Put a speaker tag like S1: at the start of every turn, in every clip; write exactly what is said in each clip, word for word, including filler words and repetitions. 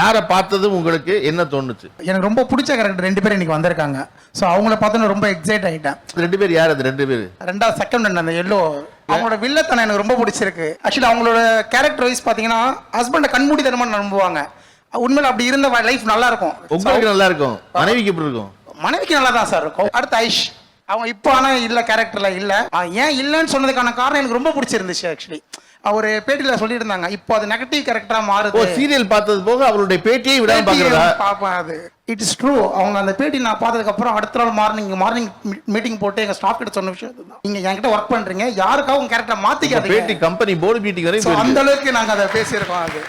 S1: யாரை பார்த்ததும் உங்களுக்கு என்ன தோணுச்சு?
S2: எனக்கு ரொம்ப பிடிச்ச கேரக்டர் ரெண்டு பேரும் இன்னைக்கு வந்திருக்காங்க. ஸோ அவங்கள பார்த்தோன்னு ரொம்ப எக்ஸைட் ஆகிட்டேன்.
S1: ரெண்டு பேர் யார் அது? ரெண்டு பேர்
S2: ரெண்டாவது செகண்ட் அந்த எல்லோ அவங்களோட வில்லத்தனம் எனக்கு ரொம்ப பிடிச்சிருக்கு. ஆக்சுவலி அவங்களோட கேரக்டர் வைஸ் பார்த்தீங்கன்னா ஹஸ்பண்டை கண்மூடித்தனமா நம்புவாங்க. உண்மையில அப்படி இருந்த லைஃப் நல்லா இருக்கும்.
S1: உங்களுக்கு நல்லா இருக்கும், மனைவிக்கு எப்படி இருக்கும்?
S2: மனைவிக்கு நல்லா தான் சார் இருக்கும். அடுத்து ஐஷ், அவங்க இப்போ ஆனால் இல்லை கேரக்டர்ல இல்லை. ஏன் இல்லைன்னு சொன்னதுக்கான காரணம் எனக்கு ரொம்ப பிடிச்சிருந்துச்சு. ஆக்சுவலி அவர் பேட்டியில் சொல்லியிருந்தாங்க, இப்போ அது நெகட்டிவ் கேரக்டரா மாறுது.
S1: சீரியல் பார்த்தது போக அவருடைய பேட்டியை விட
S2: பார்ப்பேன். அது இட் இஸ் ட்ரூ. அவங்க அந்த பேட்டி நான் பார்த்ததுக்கு அப்புறம் அடுத்த நாள் மார்னிங் மார்னிங் மீட்டிங் போட்டு எங்க ஸ்டாஃப் கிட்ட சொன்ன விஷயம் அதுதான். நீங்க என்கிட்ட ஒர்க் பண்றீங்க, யாருக்காக உங்க கேரக்டர் மாத்திக்காதீங்க.
S1: பேட்டி கம்பெனி போர்டு மீட்டிங் வரைக்கும்
S2: அந்த அளவுக்கு நாங்க அதை பேசியிருக்கோம். அது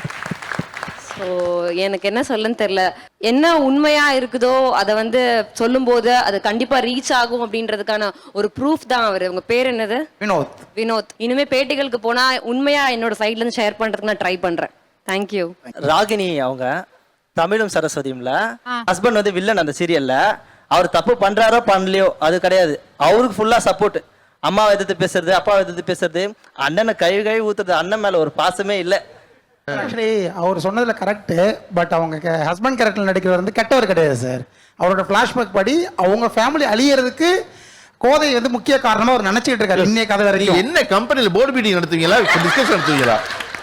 S3: ஸோ எனக்கு என்ன சொல்லன்னு தெரியல. என்ன உண்மையா இருக்குதோ அதை வந்து சொல்லும் போது அது கண்டிப்பா ரீச் ஆகும் அப்படின்றதுக்கான ஒரு ப்ரூஃப் தான் அவர். உங்க பேர் என்னது?
S2: வினோத்.
S3: வினோத். இனிமே பேட்டிகளுக்கு போனா உண்மையா என்னோட சைட்ல இருந்து ஷேர் பண்றதுக்கு நான் ட்ரை பண்றேன். தேங்க்யூ.
S4: ராகினி அவங்க தமிழும் சரஸ்வதியும்ல ஹஸ்பண்ட் வந்து வில்லன் அந்த சீரியல்ல. அவர் தப்பு பண்றாரோ பண்ணலையோ அது கிடையாது, அவருக்கு ஃபுல்லா சப்போர்ட். அம்மாவை எதிர்த்து பேசுறது, அப்பாவை எதிர்த்து பேசுறது, அண்ணனை கை கை ஊத்துறது, அண்ணன் மேல ஒரு பாசமே இல்லை.
S2: ஆக்சுவலி அவர் சொன்னதுல கரெக்டு. பட் அவங்க ஹஸ்பண்ட் கேரக்டர் நடிக்கிறவர் வந்து கெட்டவர் கிடையாது சார். அவரோட ஃபிளாஷ்பேக் படி அவங்க ஃபேமிலி அழியறதுக்கு கோதை வந்து முக்கிய காரணமா அவர் நினைச்சிட்டு இருக்காரு இன்னைய கதை வரைக்கும்.
S1: என்ன கம்பெனில போர்டு மீட்டிங் நடத்துவீங்களா, டிஸ்கஷன் நடத்துவீங்களா?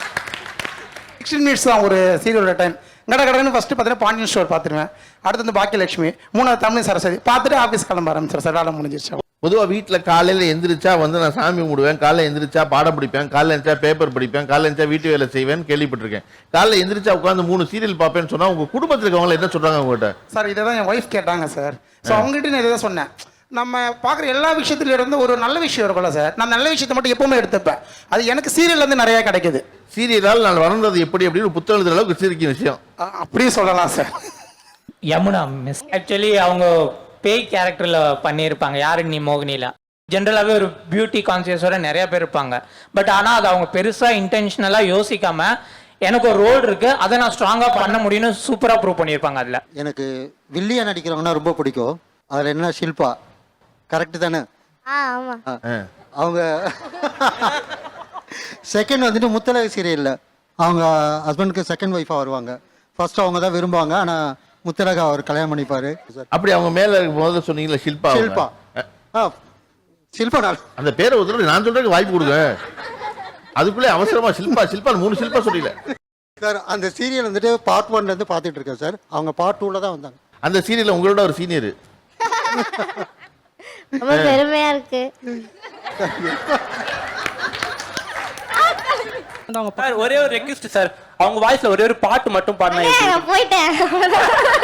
S2: சிக்ஸ்டீன் மினிட்ஸ் தான் ஒரு சீரியலோட டைம். கட கடன்னு ஃபர்ஸ்ட் பார்த்தீங்கன்னா பாண்டியன் ஸ்டோர் பார்த்துருவேன். அடுத்து வந்து பாக்கியலட்சுமி, மூணாவது தமிழ் சரஸ்வதி பார்த்துட்டு ஆஃபீஸ் கிளம்ப ஆரம்பிச்சிடும் சார். வேலை முடிஞ்சிருச்சு.
S1: பொதுவாக வீட்டில் காலையில் எந்திரிச்சா வந்து நான் சாமி கும்பிடுவேன், காலையில் எந்திரிச்சா பாடம் படிப்பேன், காலையில் எந்திரிச்சா பேப்பர் படிப்பேன், காலையில் எந்திரிச்சா வீட்டு வேலை செய்வேன் கேள்விப்பட்டிருக்கேன். காலையில் எந்திரிச்சா உட்காந்து மூணு சீரியல் பார்ப்பேன்னு சொன்னால் உங்கள் குடும்பத்தில் இருக்கவங்க என்ன சொல்கிறாங்க உங்கள்கிட்ட?
S2: சார் இதை தான் என் ஒய்ஃப் கேட்டாங்க சார். ஸோ அவங்ககிட்ட நான் இதை தான் சொன்னேன். நம்ம பார்க்குற எல்லா விஷயத்துல இருந்து ஒரு நல்ல விஷயம் இருக்கும்ல சார், நான் நல்ல விஷயத்தை மட்டும் எப்பவுமே எடுத்துப்பேன். அது எனக்கு சீரியல்லேருந்து நிறையா கிடைக்குது.
S1: சீரியலால் நான் வளர்ந்தது எப்படி அப்படின்னு ஒரு புத்தகம் எழுதுற அளவுக்கு சிரிக்கும் விஷயம்
S2: அப்படியே சொல்லலாம் சார்.
S5: யமுனா மிஸ் ஆக்சுவலி அவங்க பேய் கேரக்டரில் பண்ணியிருப்பாங்க. யாரு நீ மோகினியில் ஜென்ரலாகவே ஒரு பியூட்டி கான்சியஸோட நிறைய பேர் இருப்பாங்க. பட் ஆனால் அது அவங்க பெருசாக இன்டென்ஷனலாக யோசிக்காம எனக்கு ஒரு ரோல் இருக்கு, அதை நான் ஸ்ட்ராங்காக பண்ண முடியும்னு சூப்பராக ப்ரூவ் பண்ணியிருப்பாங்க. அதில்
S6: எனக்கு வில்லியா நடிக்கிறவங்கன்னா ரொம்ப பிடிக்கும். அதில் என்ன ஷில்பா கரெக்டு தானே? அவங்க செகண்ட் வந்துட்டு முத்தலக சீரியலில் அவங்க ஹஸ்பண்டுக்கு செகண்ட் ஒய்ஃபாக வருவாங்க. ஃபர்ஸ்ட் அவங்க தான் விரும்புவாங்க, ஆனால் முத்தலக அவர் கல்யாணம் பண்ணிப்பாரு.
S1: அப்படி அவங்க மேல முதல்ல சொன்னீங்களா ஷில்பா?
S6: ஷில்பா ஆ ஷில்பா நான்
S1: அந்த பேரை ஒருத்தர் நான் சொல்றதுக்கு வாய்ப்பு கொடுங்க. அதுக்குள்ளே அவசரமா ஷில்பா ஷில்பா மூணு ஷில்பா சொல்லல
S6: சார். அந்த சீரியல் வந்துட்டு பார்ட் ஒன்ல இருந்து பார்த்துட்டு இருக்கேன் சார். அவங்க பார்ட் டூல தான் வந்தாங்க.
S1: அந்த சீரியல்ல உங்களோட ஒரு சீனியர்.
S7: ரொம்ப பெருமையா இருக்கு.
S4: ஒரே ஒரு ரெக்வெஸ்ட் சார், அவங்க வாய்ஸ்ல ஒரே ஒரு பாட்டு மட்டும் பாடினா
S7: போயிட்டேன்.